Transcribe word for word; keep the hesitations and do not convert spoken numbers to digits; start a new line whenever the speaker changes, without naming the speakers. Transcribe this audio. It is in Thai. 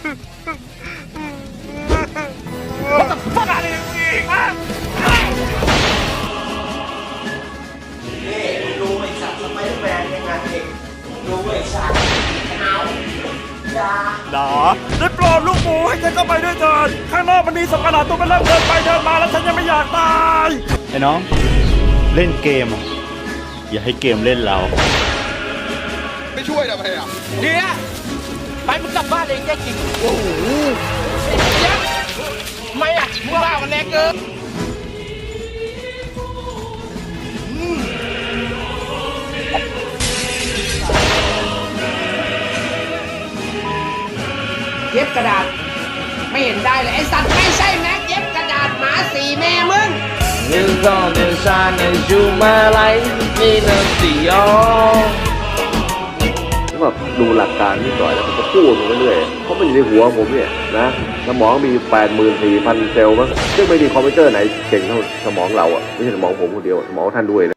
What the fuck are you doing ฮะ
นี่ดูไอ้สัตว์สไปเดอร์แมนยังไงเองดูไอ้สัตว์เอาอย่า
ด่าได้โปรดลูกหมูให้ฉันเข้าไปด้วยเถิดข้างนอกมันมีสัตว์ประหลาดตัวมันเริ่มเดินไปเดินมาแล้วฉันยังไม่อยากตายไอ้น้องเล่นเกมอย่าให้เกมเล่นเรา
ไม่ช่วยทำไมอ่ะ
เดี๋ยวไปมึงกลับบ้านเองแค่จริงโอ้โหเจ๊ทำไมอ่ะมึงบ้ากันแรงเกินเย็บกระดาษไม่เห็นได้เลยไอ้สัตว์ไม่ใช่แม็กเย็บกระดาษหมาสีแม่มึง
หนึ่งสองหนึ่งสามหนึ่งชูมาไลมีหนึ่งสี่อ๋อ
แบบดูหลักการนิดหน่อยแล้วผมก็พูดมาเรื่อยๆเพราะมันอยู่ในหัวผมเนี่ยนะสมองมี แปดหมื่นสี่พัน เซลล์มั้งซึ่งไม่มีคอมพิวเตอร์ไหนเก่งเท่าสมองเราอ่ะไม่ใช่สมองผมคนเดียวสมองท่านด้วยนะ